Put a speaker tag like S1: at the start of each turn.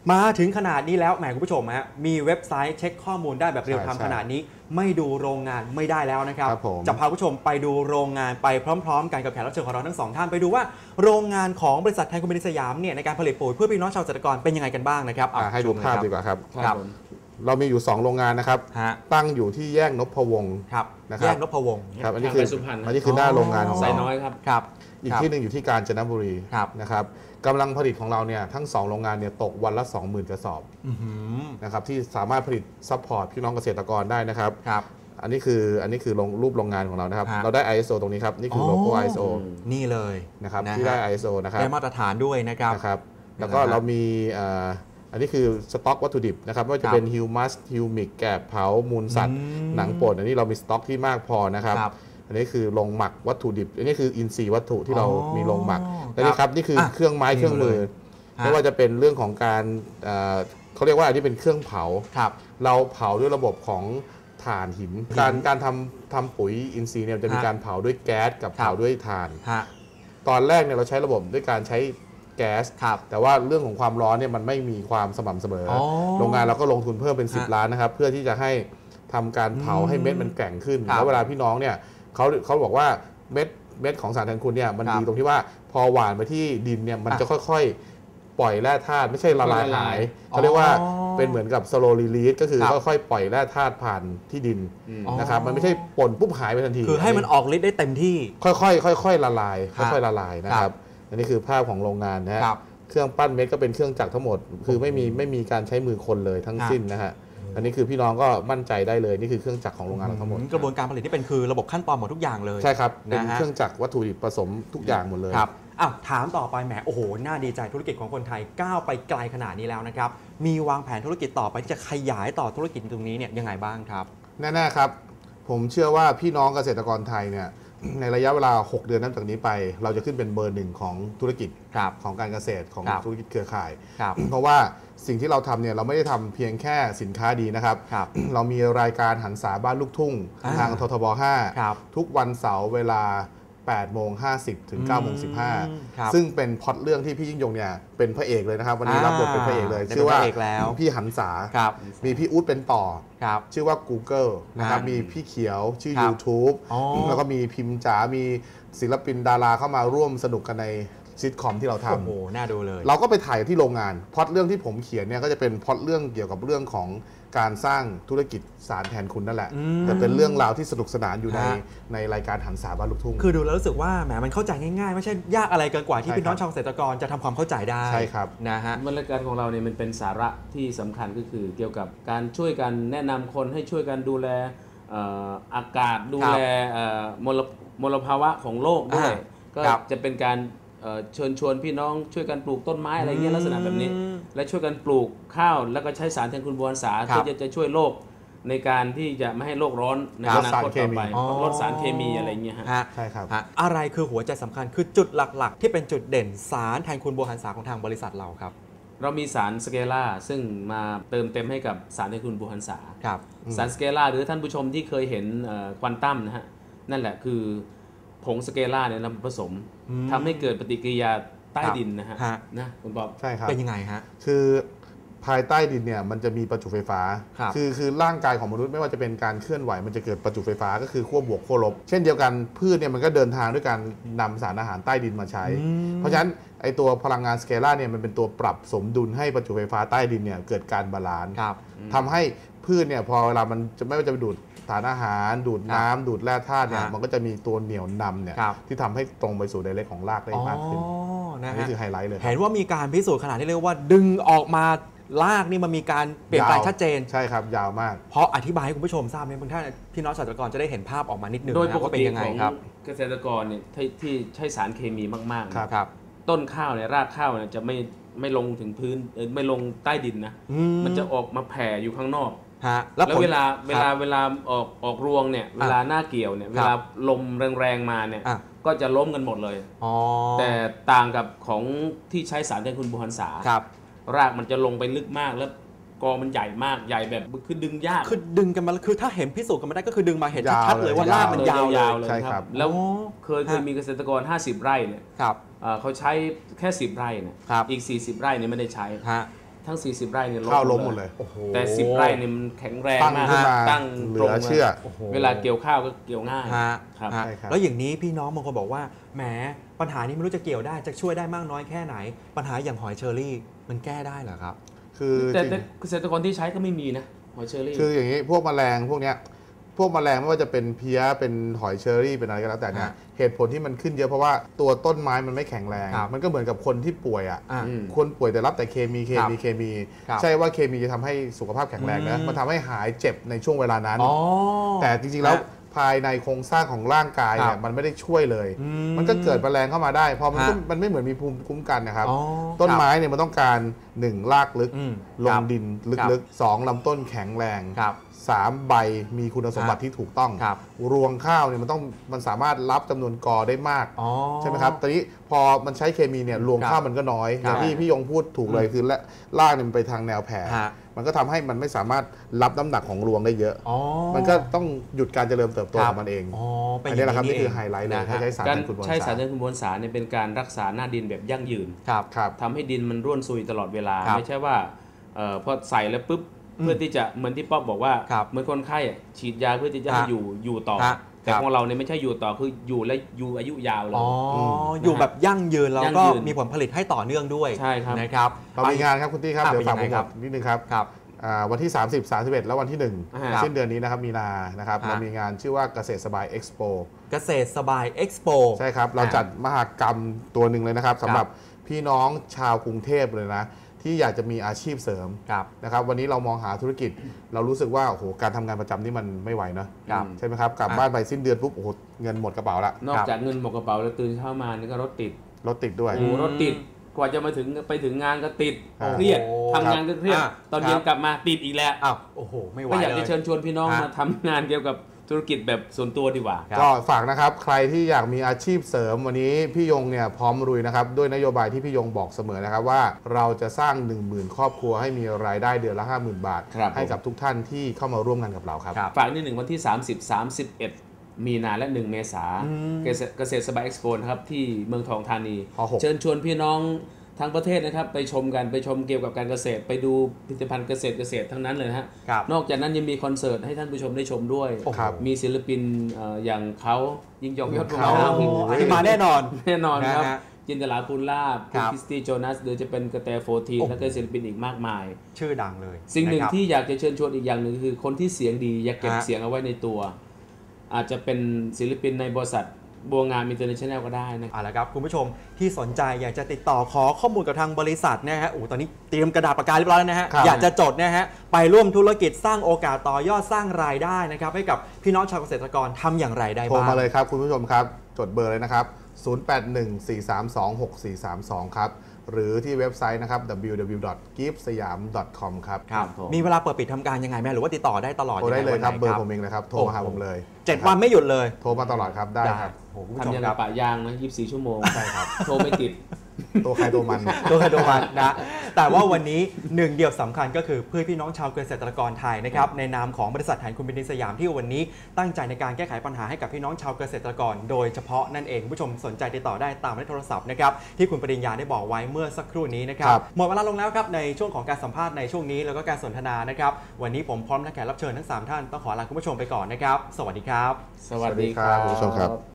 S1: มาถึงขนาดนี้แล้วแหมคุณผู้ชมฮะมีเว็บไซต์เช็คข้อมูลได้แบบเรียลไทม์ขนาดนี้ไม่ดูโรงงานไม่ได้แล้วนะครับจะพาคุณผู้ชมไปดูโรงงานไปพร้อมๆกันกับแขกรับเชิญของเราทั้งสองท่านไปดูว่าโรงงานของบริษัทแทนคุณมินิสยามเนี่ยในการผลิตปุ๋ยเพื่อพี่น้องชาวเกษตรกรเป็นยังไงกันบ้างนะครับ
S2: ให้ดูภาพดีกว่าครับเรามีอยู่2โรงงานนะครับตั้งอยู่ที่แยกนพวงศ์
S1: แยกนพวงศ์
S2: ครับอันนี้คือหน้าโรงงานของเรา
S3: น้อยครับ
S2: อีกที่หนึ่งอยู่ที่กาญจนบุรีนะครับกำลังผลิตของเราเนี่ยทั้ง2โรงงานเนี่ยตกวันละ 20,000 กระสอบนะครับที่สามารถผลิตซัพพอร์ตพี่น้องเกษตรกรได้นะครับอันนี้คือรูปโรงงานของเรานะครับเราได้ ISO ตรงนี้ครับนี่คือโลโก้ ISO
S1: นี่เลย
S2: นะครับที่ได้ ISO นะครับ
S1: ได้มาตรฐานด้วยนะครับ
S2: แล้วก็เรามีอันนี้คือสต็อกวัตถุดิบนะครับไม่ว่าจะเป็นฮิวมัสฮิวมิกแกบเผามูลสัตว์หนังป่นอันนี้เรามีสต็อกที่มากพอนะครับอันนี้คือโรงหมักวัตถุดิบอันนี้คืออินทรีย์วัตถุที่เรามีโรงหมักและนี่ครับนี่คือเครื่องไม้เครื่องมือไม่ว่าจะเป็นเรื่องของการเขาเรียกว่าอันนี้เป็นเครื่องเผาเราเผาด้วยระบบของถ่านหินการทำปุ๋ยอินทรีย์เนี่ยจะมีการเผาด้วยแก๊สกับเผาด้วยถ่านตอนแรกเนี่ยเราใช้ระบบด้วยการใช้แก๊สแต่ว่าเรื่องของความร้อนเนี่ยมันไม่มีความสม่ำเสมอโรงงานเราก็ลงทุนเพิ่มเป็น10 ล้านนะครับเพื่อที่จะให้ทำการเผาให้เม็ดมันแข็งขึ้นแล้วเวลาพี่น้องเนี่ยเขาบอกว่าเม็ดของสารแทนคุณเนี่ยมันดีตรงที่ว่าพอหว่านไปที่ดินเนี่ยมันจะค่อยๆปล่อยแร่ธาตุไม่ใช่ละลายหายเขาเรียกว่าเป็นเหมือนกับ slow release ก็คือค่อยๆปล่อยแร่ธาตุผ่านที่ดินนะครับมันไม่ใช่ป่นปุ๊บหายไปทันที
S1: คือให้มันออกฤทธิ์ได้เต็มที่
S2: ค่อยๆละลายค่อยๆละลายนะครับอันนี้คือภาพของโรงงานนะฮะเครื่องปั้นเม็ดก็เป็นเครื่องจักรทั้งหมดคือไม่มีการใช้มือคนเลยทั้งสิ้นนะฮะอันนี้คือพี่น้องก็มั่นใจได้เลยนี่คือเครื่องจักรของโรงงานเราทั้งหมด
S1: กระบวนการผลิตที่เป็นคือระบบขั้นตอนหมดทุกอย่างเลย
S2: ใช่ครับเป็นเครื่องจักรวัตถุดิบผสมทุกอย่างหมดเลย
S1: ครับถามต่อไปแหมโอ้โหน่าดีใจธุรกิจของคนไทยก้าวไปไกลขนาดนี้แล้วนะครับมีวางแผนธุรกิจต่อไปที่จะขยายต่อธุรกิจตรงนี้เนี่ยยังไงบ้างครับ
S2: แน่ๆครับผมเชื่อว่าพี่น้องเกษตรกรไทยเนี่ยในระยะเวลา6 เดือนนับจากนี้ไปเราจะขึ้นเป็นเบอร์ 1ของธุรกิจของการเกษตรของธุรกิจเครือข่ายเพราะว่าสิ่งที่เราทำเนี่ยเราไม่ได้ทำเพียงแค่สินค้าดีนะครับเรามีรายการหันษาบ้านลูกทุ่งทางททบ5ทุกวันเสาร์เวลา8:50 ถึง 9:15 ซึ่งเป็นพล็อตเรื่องที่พี่ยิ่งยงเนี่ยเป็นพระเอกเลยนะครับวันนี้รับบทเป็นพระเอกเลยชื่อว่าพี่หันษามีพี่อุ๊ดเป็นต่อชื่อว่า Google นะครับมีพี่เขียวชื่อ YouTube แล้วก็มีพิมพ์จ๋ามีศิลปินดาราเข้ามาร่วมสนุกกันในซิทคอมที่เราทำ
S1: โอ้โหน่าดูเลย
S2: เราก็ไปถ่ายที่โรงงานพล็อตเรื่องที่ผมเขียนเนี่ยก็จะเป็นพล็อตเรื่องเกี่ยวกับเรื่องของการสร้างธุรกิจสารแทนคุณนั่นแหละแต่เป็นเรื่องราวที่สนุกสนานอยู่ในรายการหันษาบ้านลูกทุ่ง
S1: คือดูแล้วรู้สึกว่าแหมมันเข้าใจง่ายๆไม่ใช่ยากอะไรเกินกว่าที่พี่น้องชาวเกษตรกรจะทำความเข้าใจได้
S2: ใช่ครับ
S1: นะฮะ
S3: รายการของเราเนี่ยมันเป็นสาระที่สำคัญก็คือเกี่ยวกับการช่วยกันแนะนำคนให้ช่วยกันดูแลอากาศดูแลมลภาวะของโลกด้วยก็จะเป็นการเชิญชวนพี่น้องช่วยกันปลูกต้นไม้อะไรเงี้ยลักษณะแบบนี้และช่วยกันปลูกข้าวแล้วก็ใช้สารแทนคุณบัวหันษาเพื่อจะช่วยโลกในการที่จะไม่ให้โลกร้อนในอนาคตต่อไปลดสารเคมีอะไรเงี้ย
S2: ใช่ครับ
S1: อะไรคือหัวใจสำคัญคือจุดหลักๆที่เป็นจุดเด่นสารแทนคุณบัวหันษาของทางบริษัทเราครับ
S3: เรามีสารสเกล่าซึ่งมาเติมเต็มให้กับสารแทนคุณบัวหันษาสารสเกล่าหรือท่านผู้ชมที่เคยเห็นควอนตัมนะฮะนั่นแหละคือผงสเกล่าเนี่ยนำผสมทำให้เกิดปฏิกิริยาใต้ดินนะฮะคุณบอก
S2: ใช่ครับ
S1: เป็นยังไงฮะ
S2: คือภายใต้ดินเนี่ยมันจะมีประจุไฟฟ้าคือร่างกายของมนุษย์ไม่ว่าจะเป็นการเคลื่อนไหวมันจะเกิดประจุไฟฟ้าก็คือขั้วบวกขั้วลบเช่นเดียวกันพืชเนี่ยมันก็เดินทางด้วยการนำสารอาหารใต้ดินมาใช้เพราะฉะนั้นไอตัวพลังงานสเกล่าเนี่ยมันเป็นตัวปรับสมดุลให้ประจุไฟฟ้าใต้ดินเนี่ยเกิดการบาลานซ์ทำให้พืชเนี่ยพอเวลามันจะไม่ว่าจะไปดูดสารอาหารดูดน้ำดูดแร่ธาตุเนี่ยมันก็จะมีตัวเหนี่ยวนำเนี่ยที่ทำให้ตรงไปสู่ไดเรกของรากได้มากขึ้นนี่คือไฮไลท์เลย
S1: เห็นว่ามีการพิสูจน์ขนาดที่เรียกว่าดึงออกมารากนี่มันมีการเปลี่ยนแปลงชัดเจน
S2: ใช่ครับยาวมาก
S1: เพราะอธิบายให้คุณผู้ชมทราบเนี่ยบางท่านพี่น้องเกษตรกรจะได้เห็นภาพออกมานิดนึง
S3: โดยปกติของเกษตรกรเนี่ยที่ใช้สารเคมีมากๆครับต้นข้าวเนี่ยรากข้าวเนี่ยจะไม่ลงถึงพื้นไม่ลงใต้ดินนะมันจะออกมาแผ่อยู่ข้างนอกแล้วเวลาออกรวงเนี่ยเวลาหน้าเกี่ยวเนี่ยเวลาลมแรงๆมาเนี่ยก็จะล้มกันหมดเลยแต่ต่างกับของที่ใช้สารแทนคุณบัวหันษารากมันจะลงไปลึกมากแล้วกอมันใหญ่มากใหญ่แบบคือดึงยาก
S1: คือดึงกันมาคือถ้าเห็นพิสูจน์กันมาได้ก็คือดึงมาเห็นชัดเลยว่ารากมันยาว
S3: เลยครับแล้วเคยมีเกษตรกร50 ไร่เนี่ยเขาใช้แค่10 ไร่เนี่ยอีก40 ไร่เนี่ยไม่ได้ใช้ทั้ง 40 ไร่เนี่ย
S2: ข้าวล้มหมดเลย
S3: แต่ 10 ไร่เนี่ยมันแข็งแรง
S2: ตั้ง
S3: มาก
S2: ขึ้นมา
S3: ตั้ง
S2: เหลื
S3: ตรง
S2: อเชื่อ
S3: เวลาเกี่ยวข้าวก็เกี่ยวง่าย
S1: ฮะ
S3: ครับ
S1: ฮะ
S2: ใช่ครับ
S1: แล้วอย่างนี้พี่น้องบางคนบอกว่าแหมปัญหานี้ไม่รู้จะเกี่ยวได้จะช่วยได้มากน้อยแค่ไหน ปัญหาอย่างหอยเชอรี่มันแก้ได้เหรอครับ
S2: คือ
S3: แต่
S2: จริง
S3: เกษตรกรที่ใช้ก็ไม่มีนะหอยเชอรี่
S2: คืออย่างนี้พวกแมลงพวกเนี้ยพวกแมลงไม่ว่าจะเป็นเพี้ยเป็นหอยเชอรี่เป็นอะไรก็แล้วแต่เนี่ย
S1: ฮะ
S2: เหตุผลที่มันขึ้นเยอะเพราะว่าตัวต้นไม้มันไม่แข็งแรง
S1: ครับ
S2: มันก็เหมือนกับคนที่ป่วยอ่ะ
S1: อ่ะ
S2: คนป่วยแต่รับแต่เคมี
S1: ครับ
S2: ใช่ว่าเคมีจะทำให้สุขภาพแข็งแรงนะมันทำให้หายเจ็บในช่วงเวลานั้น
S1: อ๋อ
S2: แต่จริงๆแล้ว
S1: ฮะ
S2: ภายในโครงสร้างของร่างกายเนี่
S1: ครั
S2: ย
S1: บ
S2: มันไม่ได้ช่วยเลย มันก็เกิดแมลงเข้ามาได้พอมันก็
S1: ฮะ
S2: มันไม่เหมือนมีภูมิคุ้มกันนะครับ
S1: อ๋อ
S2: ต้น
S1: ครับ
S2: ไม้เนี่ยมันต้องการ1รากลึก
S1: อืม
S2: ล
S1: ค
S2: ง
S1: รับ
S2: ดิน
S1: ครั
S2: ลึ
S1: บ
S2: กๆ2ลำต้นแข็งแรง
S1: ครับ
S2: 3 ใบมีคุณสมบัติที่ถูกต้อง
S1: ครับ
S2: รวงข้าวเนี่ยมันสามารถรับจำนวนกอได้มาก
S1: อ๋อ
S2: ใช่ไหมครับตอนนี้พอมันใช้เคมีเนี่ยรวง
S1: ครับ
S2: ข้าวมันก็น้อยอ
S1: ครับ
S2: ย่างที่พี่ยงพูดถูกเลยคือรากเนี่ยมันไปทางแนวแผ่
S1: ฮะ
S2: มันก็ทำให้มันไม่สามารถรับน้ำหนักของรวงได้เยอะ
S1: อ๋อ
S2: มันก็ต้องหยุดการเจริญเติบโตของมันเอง
S1: อ๋อเป็น
S2: อัน
S1: อ
S2: นี้
S1: ย่าง
S2: แหละครับ
S1: นี้
S2: นี่คือไฮไลท์เลย
S1: นะ
S2: ถ้า
S1: ฮะ
S2: ใช้สาร
S3: การ
S2: แทนคุณบอล
S3: ใช้สาร
S2: สาร
S3: แทนคุณมวลสารเนี่ยเป็นการรักษาหน้าดินแบบยั่งยืน
S1: ครับ
S2: ครับ
S3: ทำให้ดินมันร่วนซุยตลอดเวลา
S1: ครับ
S3: ไม่ใช่ว่าพอใส่แล้วปุ๊บเพื่อที่จะเหมือนที่ป๊อบบอกว่า
S1: ครับ
S3: เหมือนคนไข้อะฉีดยาเพื่อที่จะให้
S1: ฮะ
S3: อยู่ต่อ
S1: ฮะ
S3: แต่
S1: ครับ
S3: ของเราเนี่ยไม่ใช่อยู่ต่อคืออยู่และอยู่อายุยาวเลย
S1: อ๋ออยู่แบบยั่งยืนแล้ว
S3: ยั่ง
S1: ก็
S3: ยืน
S1: มีผลผลิตให้ต่อเนื่องด้วย
S3: ใช่ครับ
S1: นะครับ
S2: เรามีงานครับคุณตี้ครับ
S1: อ่ะ
S2: เดี๋ยวฝาก
S1: เป็น
S2: ผ
S1: ยังไง
S2: ม
S1: ครับ
S2: บอกนิดนึงครับ
S1: ครับ
S2: วันที่ 30 31 แล้ววันที่
S3: ครับ
S2: 1 สิ้นเดือนนี้นะครับมีนานะครับ
S1: ฮะ
S2: เรามีงานชื่อว่าเกษตรสบายเอ็กซ์โป
S1: เกษตรสบายเอ็กซ์โป
S2: ใช่ครับ เราจัดมหกรรมตัวหนึ่งเลยนะครับสำหรับพี่น้องชาวกรุงเทพเลยนะที่อยากจะมีอาชีพเสริม
S1: ครับ
S2: นะครับวันนี้เรามองหาธุรกิจ เรารู้สึกว่าโอ้โหการทำงานประจำนี่มันไม่ไหวนะครับ ใช่ไหมครับกลับ
S1: อ่ะ
S2: บ้านไปสิ้นเดือนปุ๊บโอ้โหเงินหมดกระเป๋าละ
S3: นอกจากเงินหมดกระเป๋าแล้วตื่นเช้ามานี่ก็รถติด
S2: รถติดด้วย
S3: โอ้โหรถติดกว่าจะมาไปถึงงานก็ติด
S2: อ่า
S3: เครียด
S1: โอ้
S3: ทำงานก็เครียด
S1: อ่ะ
S3: ตอนเย็
S1: คน รับ
S3: กลับมาติดอีกแล้ว
S1: อ้าวโอ้โหไม่ไหว
S3: ก็อยาก
S1: เล
S3: จะ
S1: ย
S3: เชิญชวนพี่น้อง
S1: ฮะ
S3: มาทำงานเกี่ยวกับธุรกิจแบบส่วนตัวดีกว่า
S1: ครับ
S2: ก็ฝากนะครับใครที่อยากมีอาชีพเสริมวันนี้พี่ยงเนี่ยพร้อมลุยนะครับด้วยนโยบายที่พี่ยงบอกเสมอนะครับว่าเราจะสร้าง 10,000 ครอบครัวให้มีรายได้เดือนละ 50,000 บาท
S3: ครับ
S2: ให้กับทุกท่านที่เข้ามาร่วมงานกับเราครับ
S1: ครับ
S3: ฝากนิดหนึ่งวันที่ 30 31 มีนาและ 1 เมษาเกษตรสบายเอ็กซ์โปนะครับที่เมืองทองธานี
S2: พหก
S3: เชิญชวนพี่น้องทั้งประเทศนะครับไปชมกันไปชมเกี่ยวกับการเกษตร ไปดูผลิตภัณฑ์เกษตรทั้งนั้นเลยนะฮะ
S1: ครับ
S3: นอกจากนั้นยังมีคอนเสิร์ตให้ท่านผู้ชมได้ชมด้วย
S1: โอ้โห
S2: ครับ
S3: มีศิลปินอย่างเขายิ่งยงยอดวง
S2: เขา
S3: งาม
S1: โอ้โหอันนี้มาแน่นอน
S3: แน่นอนครับ
S1: นะฮะ
S3: จินตลาภูลลาภ
S1: ครั
S3: คุณ
S1: บ
S3: คริสตี้โจนัสหรือจะเป็นกระแตโฟที
S1: โอ้โห
S3: แล้วก็ศิลปินอีกมากมาย
S1: ชื่อดังเลย
S3: สิ่งหนึ่ง
S1: ะครับ
S3: ที่อยากจะเชิญชวนอีกอย่างหนึ่งคือคนที่เสียงดีอยากเก็บ
S1: ฮะ
S3: เสียงเอาไว้ในตัว อาจจะเป็นศิลปินในบริษัทบัวงามอินเตอร์เนชั่นแนลก็ได้นะ
S1: เอาละครับคุณผู้ชมที่สนใจอยากจะติดต่อขอข้อมูลกับทางบริษัทนะฮะโอ้ตอนนี้เตรียมกระดาษปากกาเรียบร้อยแล้วนะฮะ
S2: ครับ
S1: อยากจะจดนะฮะไปร่วมธุรกิจสร้างโอกาสต่อยอดสร้างรายได้นะครับให้กับพี่น้องชาวเกษตรกรทำอย่างไรได้
S2: โทร
S1: บ้าง
S2: มาเลยครับคุณผู้ชมครับ จดเบอร์เลยนะครับ 0814326432 ครับ หรือที่เว็บไซต์นะครับ www.giftsayam.com ครับ
S1: ครับ
S3: ผม
S1: มีเวลาเปิดปิดทำการยังไงไหมหรือว่าติดต่อได้ตลอด
S2: โทรได้เลยครับ
S1: งง
S2: เบอร์
S1: วัน
S2: ผม
S1: ไหน
S2: เองเลยครับ โทรมาหาผมเลย
S1: 7 วันไม่หยุดเลย
S2: โทรมาตลอดครับได้ครับ
S1: โอ้โหคุณผู้ช
S3: ทำ
S1: ม
S3: ยัง
S1: ค
S3: กั
S1: รั
S3: บบ ปะยางนะ24 ชั่วโมง
S2: ใช่ครับ
S3: โทรไม่ติด
S2: ตัวใครตัวมัน
S1: ตัวใครตัวมันนะแต่ว่าวันนี้หนึ่งเดียวสำคัญก็คือเพื่อพี่น้องชาวเกษตรกรไทยนะครับในนามของบริษัทแทนคุณบินสยามที่วันนี้ตั้งใจในการแก้ไขปัญหาให้กับพี่น้องชาวเกษตรกรโดยเฉพาะนั่นเองผู้ชมสนใจติดต่อได้ตามหมายเลขโทรศัพท์นะครับที่คุณปริญญาได้บอกไว้เมื่อสักครู่นี้นะครับ
S2: ครับ
S1: หมดเวลาลงแล้วครับในช่วงของการสัมภาษณ์ในช่วงนี้แล้วก็การสนทนานะครับวันนี้ผมพร้อมและแขกรับเชิญทั้ง3ท่านต้องขอลาคุณผู้ชมไปก่อนนะครับสวัสดีครับ
S3: สวัสดีครับ
S2: คุณผู้ชมครับ